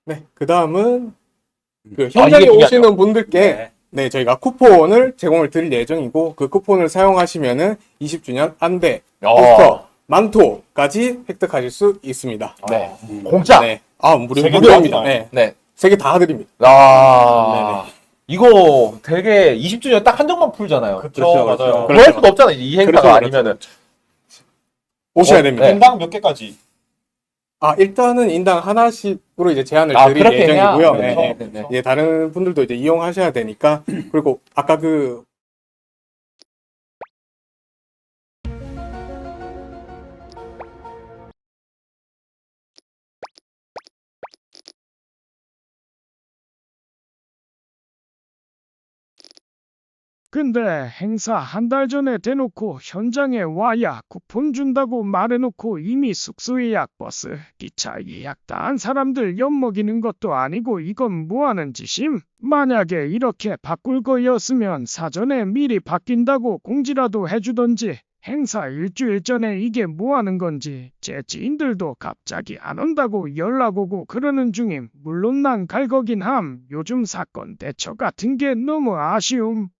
네, 그 다음은 그 이게 현장에 중요하죠. 오시는 분들께 네. 네, 저희가 쿠폰을 제공을 드릴 예정이고 그 쿠폰을 사용하시면은 20주년 안대, 포스터, 만토까지 획득하실 수 있습니다. 네. 공짜. 네, 무료, 세개 무료입니다. 다 네, 네. 3개 다 드립니다. 아. 이거 되게 20주년 딱 한정만 풀잖아요. 그렇죠, 맞아요. 더 할 그렇죠. 수도 없잖아요. 이 행사가 그렇죠, 아니면은. 오셔야 어, 됩니다. 네. 인당 몇 개까지? 일단은 인당 하나씩으로 이제 제한을 드릴 그렇게 해야. 예정이고요. 네, 네, 네, 네. 예, 다른 분들도 이제 이용하셔야 되니까 그리고 아까 그 근데 행사 한 달 전에 대놓고 현장에 와야 쿠폰 준다고 말해놓고 이미 숙소 예약, 버스, 기차 예약 다 한 사람들 엿먹이는 것도 아니고 이건 뭐하는 짓임? 만약에 이렇게 바꿀 거였으면 사전에 미리 바뀐다고 공지라도 해주던지. 행사 일주일 전에 이게 뭐하는 건지 제 지인들도 갑자기 안 온다고 연락 오고 그러는 중임. 물론 난 갈 거긴 함. 요즘 사건 대처 같은 게 너무 아쉬움.